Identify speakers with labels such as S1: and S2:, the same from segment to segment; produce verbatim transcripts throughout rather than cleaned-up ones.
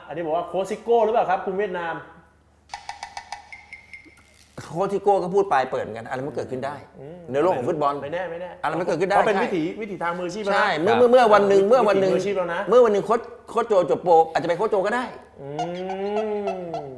S1: อันนี้บอกว่าโค้ชซิโก้หรือเปล่าครับคุณเวียดนาม
S2: โค้ชทิโก้ก็พูดปลายเปิดเหมือนกันอะไรมันเกิดขึ้นได้ในโลกของฟุตบอล
S1: ไม่แน่ไม่แน่
S2: อะไรมันเกิดขึ้นได้
S1: เขาเป็นวิถีวิถีทางมืออาชีพ
S2: ใช่เมื่อเมื่อเมื่อวันหนึ่งเมื่อวันหนึ่ง
S1: มืออาชีพแล้วนะ
S2: เมื่อวันหนึ่งโค้ชโค้ชโจจบโปรอาจจะไปโค้ชโจก็ได้
S1: อืม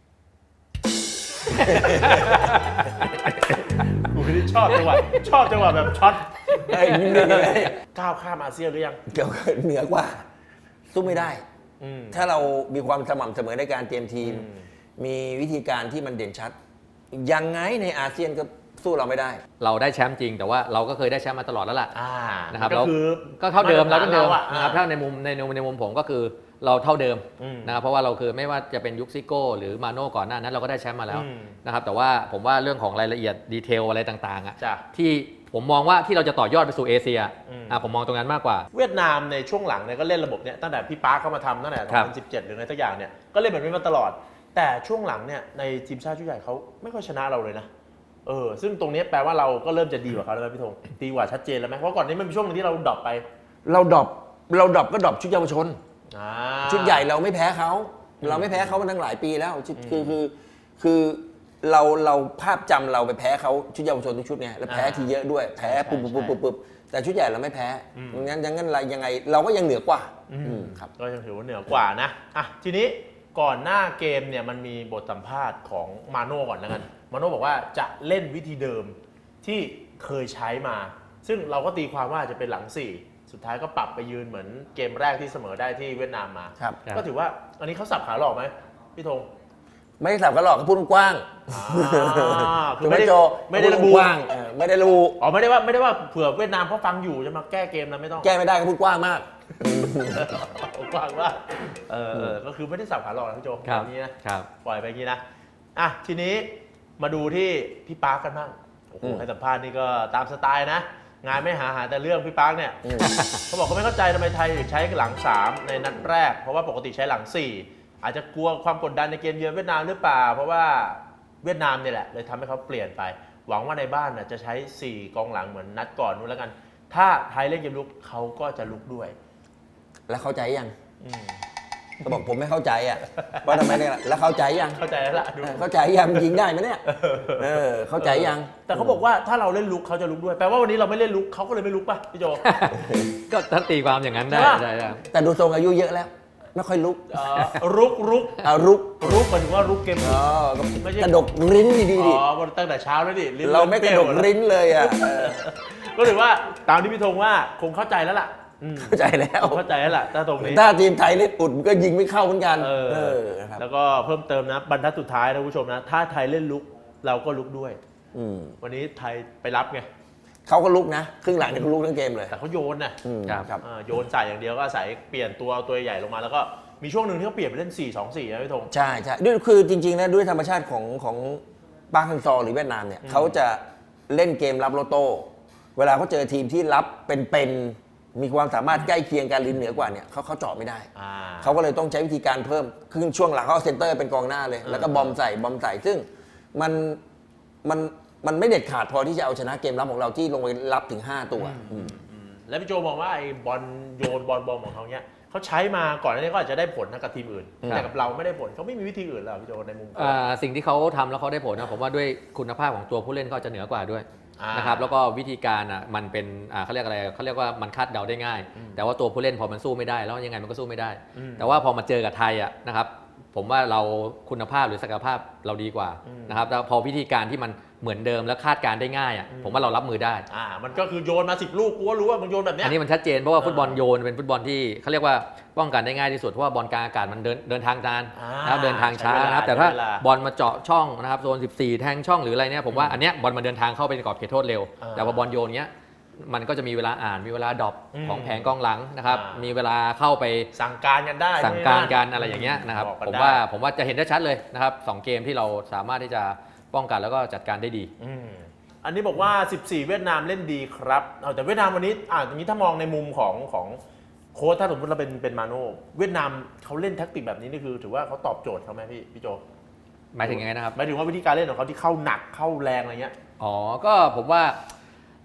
S1: กูนี่ชอบจังหวะชอบจังหวะแบบช็อตก้าวข้ามอาเซียนหรือยัง
S2: เกี่ยวกับเหนือกว่าสู้ไม่ได้ถ้าเรามีความสม่ำเสมอในการเตรียมทีมมีวิธีการที่มันเด่นชัดยังไงในอาเซียนก็สู้เราไม่ได้
S3: เราได้แชมป์จริงแต่ว่าเราก็เคยได้แชมป์มาตลอดแล้วล่ะนะครับ
S1: ก็คือ
S3: ก็เท่าเดิมเราเท่าเดิมนะครับถ้าในมุมในในมุมผมก็คือเราเท่าเดิมนะครับเพราะว่าเราคือไม่ว่าจะเป็นยุคซิโก้หรือมาโน่ก่อนหน้านั้นเราก็ได้แชมป์มาแล้วนะครับแต่ว่าผมว่าเรื่องของรายละเอียดดีเทลอะไรต่างๆอ่ะที่ผมมองว่าที่เราจะต่อยอดไปสู่เอเชียอ่ะผมมองตรงนั้นมากกว่า
S1: เวียดนามในช่วงหลังเนี่ยก็เล่นระบบเนี่ยตั้งแต่พี่ปาร์คเข้ามาทำตั้งแต่สองพันสิบเจ็ดหรือในทุกอย่างเนี่ยก็เล่นแบบนี้มาตลอดแต่ช่วงหลังเนี่ยในทีมชาติชุดใหญ่เขาไม่ค่อยชนะเราเลยนะเออซึ่งตรงนี้แปลว่าเราก็เริ่มจะดีกว่าเขาแล้วพี่ธงดีกว่าชัดเจนแล้วไหมเพราะก่อนนี้มันมีช่วงนึงที่เราดรอปไป
S2: เราดรอปเราดรอปก็ดรอปชุดเยาวชนชุดใหญ่เราไม่แพ้เขาเราไม่แพ้เขามาตั้งหลายปีแล้วคือคือคือเราเราภาพจำเราไปแพ้เขาชุดเยาวชนทุกชุดไงแล้วแพ้ทีเยอะด้วยแพ้ปุ๊บปุ๊บปุ๊บปุ๊บแต่ชุดใหญ่เราไม่แพ้งั้นยังงั้นอะไรยังไงเราก็ยังเหนือกว่า
S1: ครับก็ยังถือว่าเหนือกว่านะอ่ะทีนี้ก่อนหน้าเกมเนี่ยมันมีบทสัมภาษณ์ของมาโน่ก่อนแล้วกันมาโน่บอกว่าจะเล่นวิธีเดิมที่เคยใช้มาซึ่งเราก็ตีความว่าจะเป็นหลังสี่สุดท้ายก็ปรับไปยืนเหมือนเกมแรกที่เสมอได้ที่เวียดนามมาก็ถือว่าอันนี้เขาสับขาหลอกไหมพี่ธง
S2: ไม่สับขาหลอกเขาพูดกว้าง
S1: คือไม่ได้ไม่ได้ระบุ
S2: ไม่ได้ระบุ
S1: อ๋อไม่ได้ว่าไม่ได้ว่าเผื่อเวียดนามเขาฟังอยู่จะมาแก้เกมนะไม่ต้อง
S2: แก้ไม่ได้เขาพูดกว้างมาก
S1: กว้างว่าเออก็คือไม่ได้สับขาหลอกนะพี่โจแบบนี้นะปล่อยไปอย่างนี้นะอ่ะทีนี้มาดูที่พี่ปาร์คกันบ้างโอ้โหให้สัมภาษณ์นี่ก็ตามสไตล์นะงานไม่หาหาแต่เรื่องพี่ปาร์คเนี่ยเขาบอกเขาไม่เข้าใจทำไมไทยใช้หลังสามในนัดแรกเพราะว่าปกติใช้หลังสี่อาจจะกลัวความกดดันในเกมเยือนเวียดนามหรือเปล่าเพราะว่าเวียดนามเนี่ยแหละเลยทำให้เขาเปลี่ยนไปหวังว่าในบ้านน่ะจะใช้สี่กองหลังเหมือนนัดก่อนนู้นแล้วกันถ้าไทยเล่นเกมลุกเขาก็จะลุกด้วย
S2: แล้วเข้าใจยังเขาบอกผมไม่เข้าใจอ่ะว่าทำไมเนี่ยแล้วเข้าใจยัง
S1: เข้าใจแล้วล่ะ
S2: เข้าใจยังยิงได้ไหมเนี่ยเออเข้าใจยัง
S1: แต่เขาบอกว่าถ้าเราเล่นลุกเขาจะลุกด้วยแปลว่าวันนี้เราไม่เล่นลุกเขาก็เลยไม่ลุกป่ะพี่โจ
S3: ก็ถ้าตีความอย่างนั้นได้ใช่
S2: แต่ดูทรงอายุเยอะแล้วไม่ค่อยลุก
S1: รุกรุก
S2: เอารุก
S1: รุกหมายถึงว่ารุกเกม
S2: ไม่ใช่กระดกลิ้นดีดิ
S1: อ๋อตั้งแต่เช้าแล้วดิ
S2: เราไม่กระดกลิ้นเลยอ่ะ
S1: ก็ถือว่าตามที่พี่ธงว่าคงเข้าใจแล้วล่ะ
S2: เข้าใจแล้ว
S1: เข้าใจแล้วล่ะถ้าตรงนี้
S2: ถ้าทีมไทยเล่นอุดก็ยิงไม่เข้าเหมือนกัน
S1: แล้วก็เพิ่มเติมนะบรรทัดสุดท้ายนะผู้ชมนะถ้าไทยเล่นลุกเราก็ลุกด้วยวันนี้ไทยไปรับไง
S2: เขาก็ลุกนะครึ่งหลังเนี่ยเขาลุกทั้งเกมเลย
S1: แต่เขาโยนนะครับโยนใส่อย่างเดียวก็ใส่เปลี่ยนตัวตัวใหญ่ลงมาแล้วก็มีช่วงหนึ่งที่เขาเปลี่ยนไปเล่น สี่ สอง สี่ นะพี่ธง
S2: ใช่ใช่ด้วยคือจริงๆนะด้วยธรรมชาติของของปาร์คฮังซอหรือเวียดนามเนี่ยเขาจะเล่นเกมรับโลโต้เวลาเขาเจอทีมที่รับเป็นๆมีความสามารถใกล้เคียงกันลิ้นเหนือกว่าเนี่ยเขาเขาเจาะไม่ได้เขาก็เลยต้องใช้วิธีการเพิ่มครึ่งช่วงหลังเขาเซนเตอร์เป็นกองหน้าเลยแล้วก็บอมใส่บอมใส่ซึ่งมันมันมันไม่เด็ดขาดพอที่จะเอาชนะเกมรับของเราที่ลงไปรับถึงห้าตัว
S1: แล้วพี่โจมองว่าไอ้บอลโยนบอลบอมของเขาเนี้ยเขาใช้มาก่อนหน้านี้ก็อาจจะได้ผลนะกับทีมอื่นแต่กับเราไม่ได้ผลเขาไม่มีวิธีอื่นหรอพี่โจในมุม
S3: สิ่งที่เขาทำแล้วเขาได้ผลนะผมว่าด้วยคุณภาพของตัวผู้เล่นเขาจะเหนือกว่าด้วยนะครับแล้วก็วิธีการอ่ะมันเป็นอ่าเขาเรียกอะไรเขาเรียกว่ามันคาดเดาได้ง่ายแต่ว่าตัวผู้เล่นพอมันสู้ไม่ได้แล้วยังไงมันก็สู้ไม่ได้แต่ว่าพอมาเจอกับไทยอ่ะนะครับผมว่าเราคุณภาพหรือศักยภาพเราดีกว่านะครับแล้วพอวิธีการที่มันเหมือนเดิมแล้วคาดการได้ง่ายอ่ะผมว่าเรารับมือได้
S1: อ่ามันก็คือโยนมาสิบลูกกูก็รู้ว่ามันโยนแบบนี้
S3: อันนี้มันชัดเจนเพราะว่าฟุตบอลโยนเป็นฟุตบอลที่เขาเรียกว่าป้องกันได้ง่ายที่สุดเพราะว่าบอลกลางอากาศมันเดินเดินทางนานนะครับเดินทางช้านะครับแต่ถ้าบอลมาเจาะช่องนะครับโซนสิบสี่แทงช่องหรืออะไรเนี่ยผมว่าอันเนี้ยบอลมาเดินทางเข้าไปในกรอบเขตโทษเร็วแต่พอบอลโยนเนี้ยมันก็จะมีเวลาอ่านมีเวลาดรอปของแผงกองหลังนะครับมีเวลาเข้าไป
S1: สั่งการกันได้
S3: สั่งการกันอะไรอย่างเงี้ยนะครับผมว่าผมว่าจะเห็นได้ชัดเลยนะครับสองเกมที่เราสามารถที่จะป้องกันแล้วก็จัดการได้ดี
S1: อันนี้บอกว่าสิบสี่เวียดนามเล่นดีครับเอาแต่เวียดนามวันนี้อ่าอย่างนี้ถ้ามองในมุมของของโค้ชถ้าสมมติเราเป็นเป็นมาโน่เวียดนามเขาเล่นแท็กติกแบบนี้นี่คือถือว่าเขาตอบโจทย์เขาไหมพี่พี่โจ
S3: หมายถึงยังไงนะครับ
S1: หมายถึงว่าวิธีการเล่นของเขาที่เข้าหนักเข้าแรงอะไรเงี้ย
S3: อ๋อก็ผมว่า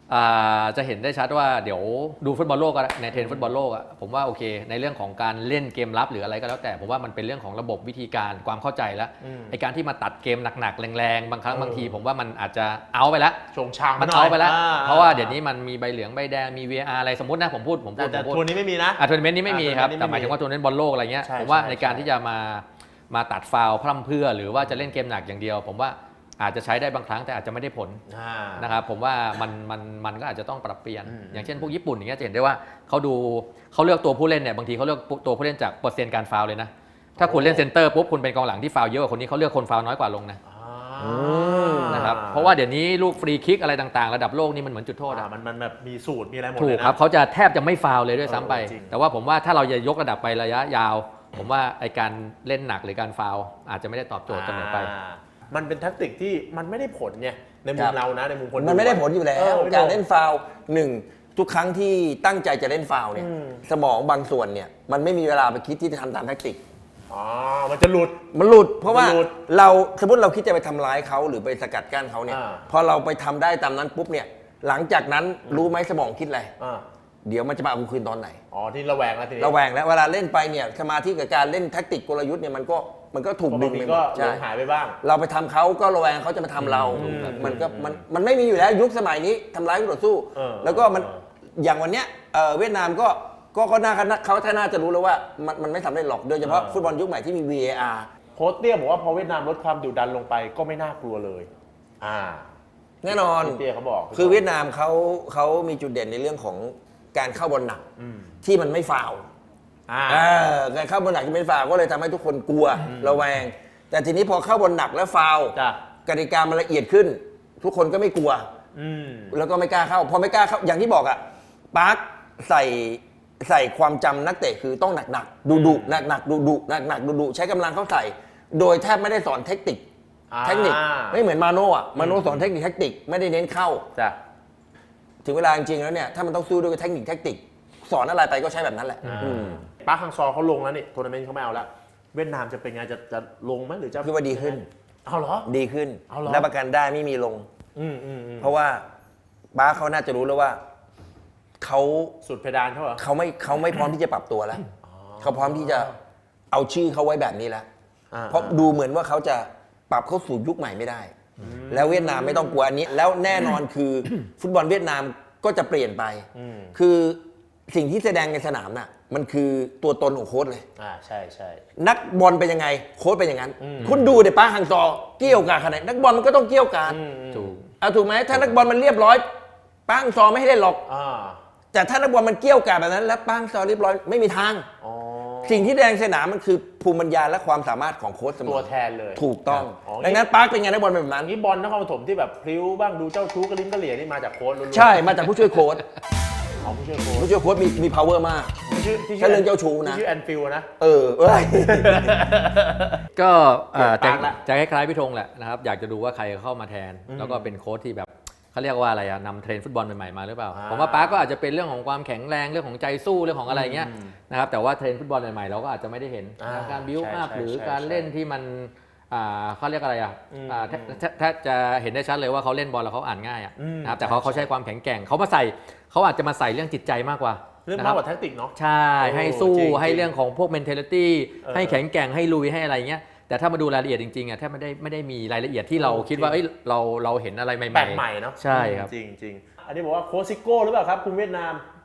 S3: อ่าจะเห็นได้ชัดว่าเดี๋ยวดูฟุตบอลโลกอะในเทรนด์ฟุตบอลโลกอะผมว่าโอเคในเรื่องของการเล่นเกมรับหรืออะไรก็แล้วแต่ผมว่ามันเป็นเรื่องของระบบวิธีการความเข้าใจแล้วไอการที่มาตัดเกมหนักๆแรงๆบางครั้งบางทีผมว่ามันอาจจะเอาไปแล้ว
S1: ชงช่าง
S3: มันเอาไปแล้วเพราะว่าเดี๋ยวนี้มันมีใบเหลืองใบแดงมี วี อาร์ อะไรสมมตินะผมพูดผมพูด
S1: แต่
S3: ผมพูด
S1: ทัวร์นี้ไม่มีนะ
S3: อ่ะทัวร์นาเมนต์นี้ไม่มีครับ
S1: อ่ะ
S3: แต่หมายถึงว่าทัวร์นาเมนต์บอลโลกอะไรเงี้ย
S1: ใช่
S3: ผมว่า
S1: ใช่
S3: ในการ
S1: ใช่
S3: ที่จะมามาตัดฟาวล์พร่ำเพรื่อหรือว่าจะเล่นเกมหนักอย่างเดียว ผมว่าอาจจะใช้ได้บางครั้งแต่อาจจะไม่ได้ผล
S1: อ่า
S3: นะครับผมว่ามันมันมันก็อาจจะต้องปรับเปลี่ยน
S1: อืม
S3: อย่างเช่นพวกญี่ปุ่นอย่างเงี้ยจะเห็นได้ว่าเขาดูเขาเลือกตัวผู้เล่นเนี่ยบางทีเขาเลือกตัวผู้เล่นจากเปอร์เซ็นต์การฟาวล์เลยนะถ้าคุณเล่นเซนเตอร์ปุ๊บคุณเป็นกองหลังที่ฟาวล์เยอะกว่าคนนี้เขาเลือกคนฟาวล์น้อยกว่าลงนะ
S1: อ่า
S3: นะครับเพราะว่าเดี๋ยวนี้ลูกฟรีคิกอะไรต่างๆระดับโลกนี่มันเหมือนจุดโทษ
S1: อ่า
S3: อะ
S1: มันมันแบบมีสูตรมีอะไรหมด
S3: ถู
S1: เล
S3: ก
S1: ยนะ
S3: ครับเขาจะแทบจะไม่ฟาวล์เลยด้วยซ้ำไป
S1: เออจริง
S3: แต่ว่าผมว่าถ้าเราจะยกระดับไประยะยาว ผมว่าไอการเล่นหนักหรือการฟาวล์อาจจะไม่ได้ตอบโจทย์เสมอไป
S1: อ่ามันเป็นแท็กติกที่มันไม่ได้ผลเนี่ยในมุ
S2: ครั
S1: ม
S2: บ
S1: เรานะในมุมคน
S2: มันไม่ได้ผลอยู่แล้
S1: เอ
S2: ว
S1: อไม่
S2: การ
S1: ผ
S2: เล่นฟาวล์หนึ่งทุกครั้งที่ตั้งใจจะเล่นฟาวล์เนี่ย
S1: อืม
S2: สมองบางส่วนเนี่ยมันไม่มีเวลาไปคิดที่จะทำตามแทคติก
S1: อ๋อมันจะหลุด
S2: มันหลุด เพราะว่า
S1: มันหลุด
S2: เราสมมติเราคิดจะไปทำร้ายเขาหรือไปสกัดกั้นเขาเนี่ย
S1: อ่า
S2: พอเราไปทำได้ตามนั้นปุ๊บเนี่ยหลังจากนั้นรู้ไหมสมองคิดอะไร
S1: อ่า
S2: เดี๋ยวมันจะมาเอาคืนตอนไหน
S1: อ๋อที่ระแวงแล้วทีนี้
S2: ระแวงแล้วเวลาเล่นไปเนี่ยสมาธิกับการเล่นแทคติกกลยุทธ์เนี่ยมันก็มันก็ถูก
S1: เพราะ
S2: ดึ
S1: บาง
S2: ง
S1: ที
S2: ไปหม
S1: ก็
S2: ด
S1: หล
S2: ใช่
S1: งหายไปบ้าง
S2: เราไปทำเขาก็ระแวงเขาจะมาทำเรา
S1: อืม
S2: มันก็มันมันไม่มีอยู่แล้วยุคสมัยนี้ทำร้ายคู่ต่อสู้
S1: เออ
S2: แล้วก็มัน
S1: เออ
S2: อย่างวันเนี้ยเอ่อเวียดนามก็ก็ก็น่าเขาถ้าน่าจะรู้แล้วว่ามันมันไม่สำเร็จหรอกโดยเฉพาะฟุตบอลยุคใหม่ที่มี วี เอ อาร์
S1: โค้ชเตี้ยบอกว่าพอเวียดนามลดความดุดันลงไปก็ไม่น่ากลัวเลย อ่า
S2: แน่นอน
S1: พี่เตี้ยเขาบอก
S2: คือเวียดนามเขาเขามีจุดเด่นในเรื่องของการเข้าบอลหนัก
S1: อืม
S2: ที่มันไม่ฟาวล์
S1: อ่า
S2: เออการเข้าบอลหนักที่ไม่ฟาวล์ก็เลยทำให้ทุกคนกลัวระแวง แต่ทีนี้พอเข้าบอลหนักแล้วฟาวล์
S1: จ้ะ
S2: กติกามันละเอียดขึ้น ทุกคนก็ไม่กลัว
S1: อืม
S2: แล้วก็ไม่กล้าเข้า พอไม่กล้าเข้าอย่างที่บอกอะปาร์คใส่ใส่ความจำนักเตะคือต้องหนักหนักดุดุหนักหนักดุดุหนักหนักดุดุใช้กำลังเข้าใส่ โดยแทบไม่ได้สอนเทคนิค
S1: อ่า
S2: เทคนิคไม่เหมือนมาโน่อะมาโน่สอนเทคนิคแทคติกไม่ได้เน้นเข้า
S1: จ้ะ
S2: ถึงเวลาจริงๆแล้วเนี่ยถ้ามันต้องสู้ด้วยเทคนิคแทคติกสอนอะไรไปก็ใช้แบบนั้นแหละ
S1: อ่า
S2: อืม
S1: ปาร์คฮังซอเขาลงแล้วนี่ทัวร์นาเมนต์เขาไม่เอาแล้ว เวียดนามจะเป็นไงจะจะลงไหมหรือจะ
S2: คือว่าดีขึ้น
S1: เอาเหรอ
S2: ดีขึ้น
S1: เอาเหรอ
S2: รับประกันได้ไม่มีลง
S1: อืมอืมอืม
S2: เพราะว่าป้าเขาน่าจะรู้แล้วว่าเขา
S1: สุดเพดานเขาเหรอ
S2: เขาไม่เขาไม่พร้อมที่จะปรับตัวแล้ว เขาพร้อมที่จะเอาชื่อเขาไว้แบบนี้แล้ว
S1: อ่า
S2: เพราะดูเหมือนว่าเขาจะปรับเข้าสู่ยุคใหม่ไม่ได้ แล้วเวียดนามไม่ต้องกลัวอันนี้ แล้วแน่นอนคือ ฟุตบอลเวียดนามก็จะเปลี่ยนไป
S1: อืม
S2: คือสิ่งที่แสดงในสนามน่ะมันคือตัวตนของโค้ชเลย
S1: อ่าใช่ใช่
S2: นักบอลเป็นยังไงโค้ชเป็นอย่างนั้น
S1: อืม
S2: คุณดูเดี๋ยวป้าฮังซอเกี่ยวกาดขนาดไหนนักบอลมันก็ต้องเกี่ยวกาด
S1: อืมอืม
S3: ถูก
S2: เอาถูกไหมถ้านักบอลมันเรียบร้อยป้าฮังซอไม่ให้เล่นหรอก
S1: อ่า
S2: แต่ถ้านักบอลมันเกี่ยวกาดแบบนั้น แล้วป้าฮังซอเรียบร้อยไม่มีทาง
S1: อ๋อ
S2: สิ่งที่แดงสนามมันคือภูมิปัญญาและความสามารถของโค้ชเสมอ
S1: ตัวแทนเลย
S2: ถูกต้อง
S1: อ๋อ
S2: ดังนั้นปาร์คเป็นไงนักบอลเป็นแบบนั้น
S1: อันนี้บอลนครปฐมที่แบบพลิ้วบ้างดูเจ้าชู้กระลิ้มกระเหลี่ยนี่มาจากโค้ชล้วนๆ
S2: ใช่มาจากผู้ช่วยโค้ช
S1: ของผู้ช่วยโค้ช
S2: ผู้ช่วยโค้ชมีมี power มาก
S1: ที่ชื่อที่
S2: ถ้าเรื่องเจ้าชู้นะ
S1: ที่ชื่อแอนฟิลนะ
S2: เออเอ้ย
S3: ก็เอ่อ
S1: เปลี่
S3: จะ
S1: ยนปากละ
S3: จะคล้ายๆพี่ธงแหละนะครับอยากจะดูว่าใครเข้ามาแทน
S1: อืม
S3: แล้วก็เป็นโค้ชที่แบบเขาเรียกว่าอะไรอะนำเทรนด์ฟุตบอลใหม่ๆมาหรือเปล่า
S1: อ่า
S3: ผมว่าป้าก็อาจจะเป็นเรื่องของความแข็งแรงเรื่องของใจสู้เรื่องของอะไรเงี้ย
S1: อืม
S3: นะครับแต่ว่าเทรนด์ฟุตบอลใหม่ๆเราก็อาจจะไม่ได้เห็น
S1: อ่า
S3: นะการบิว
S1: ใช่
S3: อัพ
S1: ใช่
S3: หรือ
S1: ใช่
S3: การ
S1: ใช่
S3: เล่นที่มันอ่าเขาเรียกอะไรอ่ะ
S1: อืม
S3: อ่าแทแทแทบจะเห็นได้ชัดเลยว่าเขาเล่นบอลแล้วเขาอ่านง่ายอ่ะ
S1: อืม
S3: นะครับแต่เขาเขาใช้ความแข็งแกร่งเขามาใส่เขาอาจจะมาใส่เรื่องจิตใจมากกว่า
S1: เรื่อง
S3: นะค
S1: มาก
S3: บ
S1: กว่าแท็กติกเนาะ
S3: ใช่
S1: โอ้
S3: ให้สู้
S1: จริงๆ
S3: ให้เรื่องของพวก mentality
S1: เออ
S3: ให้แข็งแกร่งให้ลุยให้อะไรเงี้ยแต่ถ้ามาดูรายละเอียดจริงๆอ่ะแทบไม่ได้ไม่ได้มีรายละเอียดที่เรา
S1: โอ้
S3: คิดว่า
S1: จริง
S3: เอ้ยเราเราเห็นอะไรใหม่ๆ
S1: แปลกใหม่เนาะ
S3: ใช่ครับ
S1: จริงจริงๆอันนี้บอกว่าโค้ชซิโก้หรือเปล่าครับคุณเวียดนาม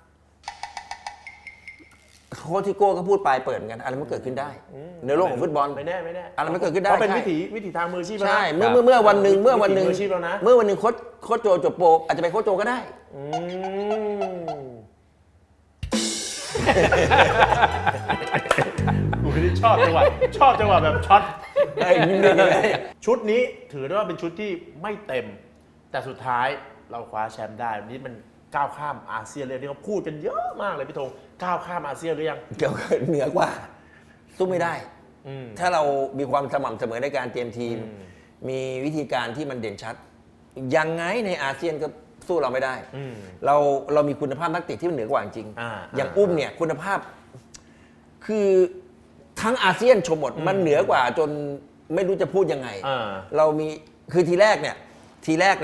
S2: โค้ชทิโก้ก็พูดปลายเปิดเหมือนกันอะไรมันเกิดขึ้นได้ ในโลกของฟุตบอล
S1: ไม่แน่ไม่แน่
S2: อะไรมันเกิดขึ้นได้
S1: เขาเป็น
S2: ใช่
S1: วิถีวิถีทางมืออาชีพแล้วนะ
S2: ใช่เมื่อเมื่อเมื่อวันหนึ่งเมื่อวันหนึ่ง
S1: วิถีมืออาชีพแล้วนะ
S2: เมื่อวันหนึ่งโค้ชโค้ชโจจบโปรอาจจะเป็นโค้ชโจก็ได้
S1: อืมกูนี่ชอบจังหวะชอบจังหวะแบบช็อต
S2: เอ้ยยิ้มเลย
S1: ชุดนี้ถือได้ว่าเป็นชุดที่ไม่เต็ม แต่สุดท้ายเราคว้าแชมป์ได้วันนี้มันก้าวข้ามอาเซียนเลยที่เขาพูดกันเยอะมากเลยพี่ธงก้าวข้ามอาเซียนหรือยัง
S2: เกี่ยวกับเหนือกว่าสู้ไม่ได้
S1: อืม
S2: ถ้าเรามีความสม่ำเสมอในการเตรียมทีม
S1: อืม
S2: มีวิธีการที่มันเด่นชัด ยังไงในอาเซียนก็สู้เราไม่ได้
S1: อืม
S2: เราเรามีคุณภาพนักเตะที่มันเหนือกว่าจริง
S1: อ่า
S2: อย่างอุ้มเนี่ยคุณภาพ คือทั้งอาเซียนชมหมดมันเหนือกว่าจนไม่รู้จะพูดยังไง
S1: อ่า
S2: เรามีคือทีแรกเนี่ยทีแรกแหละ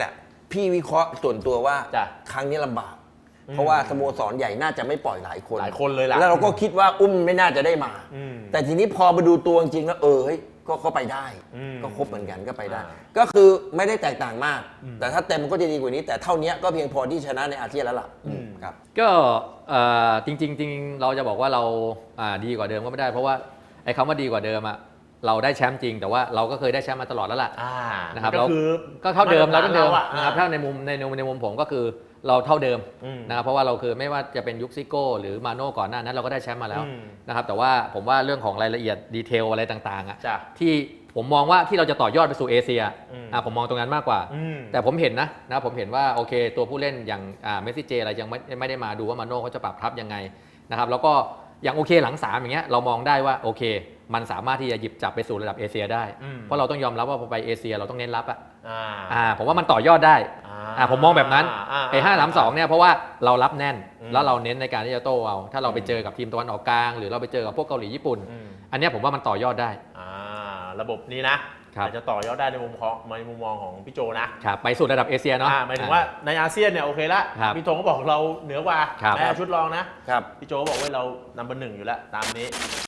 S2: พี่วิเคราะห์ส่วนตัวว่า
S1: จ้ะ
S2: ครั้งนี้ลำบาก เพราะว่าสโมสรใหญ่น่าจะไม่ปล่อยหลายคน
S1: หลายคนเลยล่ะ
S2: แล้วเราก็คิดว่าอุ้มไม่น่าจะได้มา
S1: อืม
S2: แต่ทีนี้พอมาดูตัวจริงๆแล้วเออเฮ้ยก็ก็ไปได้
S1: อืม
S2: ก็ครบเหมือนกันก็ไปได้
S1: อ่า
S2: ก็คือไม่ได้แตกต่างมาก
S1: อืม
S2: แต่ถ้าเต็มมันก็จะดีกว่านี้ แต่เท่านี้ก็เพียงพอที่ชนะในอาเซียนแล้วล่ะ
S1: อืม
S2: ครับ
S3: ก็เอ่อจริงๆจริงๆเราจะบอกว่าเราอ่าดีกว่าเดิมก็ไม่ได้ เพราะว่าไอ้คำว่าดีกว่าเดิมอะเราได้แชมป์จริง แต่ว่าเราก็เคยได้แชมป์มาตลอดแล้วล่ะ
S1: อ่า
S3: นะครับ
S1: ก็คือ
S3: ก็เท่าเดิมเราก็เดิม
S1: อะ
S3: นะครับถ้าในมุมในในในมุมผมก็คือเราเท่าเดิม
S1: อืม
S3: นะครับเพราะว่าเราคือไม่ว่าจะเป็นยุคซิโก้หรือมาโน่ก่อนหน้านั้นเราก็ได้แชมป์มาแล้ว
S1: อืม
S3: นะครับแต่ว่าผมว่าเรื่องของรายละเอียดดีเทลอะไรต่างๆอะ
S1: จ้ะ
S3: ที่ผมมองว่าที่เราจะต่อยอดไปสู่เอเชีย
S1: อืม
S3: อ่ะผมมองตรงนั้นมากกว่า
S1: อืม
S3: แต่ผมเห็นนะนะผมเห็นว่าโอเคตัวผู้เล่นอย่างอ่าเมสซี่เจอะไรยังไม่ไม่ได้มาดูว่ามาโน่เขาจะปรับทับยังไงนะครับแล้วก็อย่างโอเคหลังสามอย่างเงี้ยเรามองได้ว่าโอเค มันสามารถที่จะหยิบจับไปสู่ระดับเอเชียได้
S1: อืม
S3: เพราะเราต้องยอมรับว่าพอไปเอเชียเราต้องเน้นรับอ่ะ
S1: อ่า
S3: อ่าผมว่ามันต่อยอดได้
S1: อ่า
S3: อ่าผมมองแบบนั้น
S1: อ่า
S3: ไอ้ห้าสามสองเนี่ยเพราะว่าเรารับแน่น
S1: อืม
S3: แล้วเราเน้นในการที่จะโต้เอาถ้าเราไปเจอกับทีมตะวันออกกลางหรือเราไปเจอกับพวกเกาหลีญี่ปุ่น
S1: อืม
S3: อันเนี้ยผมว่ามันต่อยอดได้
S1: อ่าระบบนี้นะครับ อาจจะต่อยอดได้ในมุมของในมุมมองของพี่โจนะครับ
S3: ไปสู่ระดับเอเชียเนาะ
S1: อ่าหมายถึงว่าในอาเซียนเนี่ยโอเคละ
S3: ครับ
S1: พี่ธงก็บอกเราเหนือกว่า
S3: ครับ
S1: แม้ชุดรองนะ
S2: ครับ
S1: พี่โจก็บอกว่าเรานัมเบอร์หนึ่งอยู่แล้วตามนี้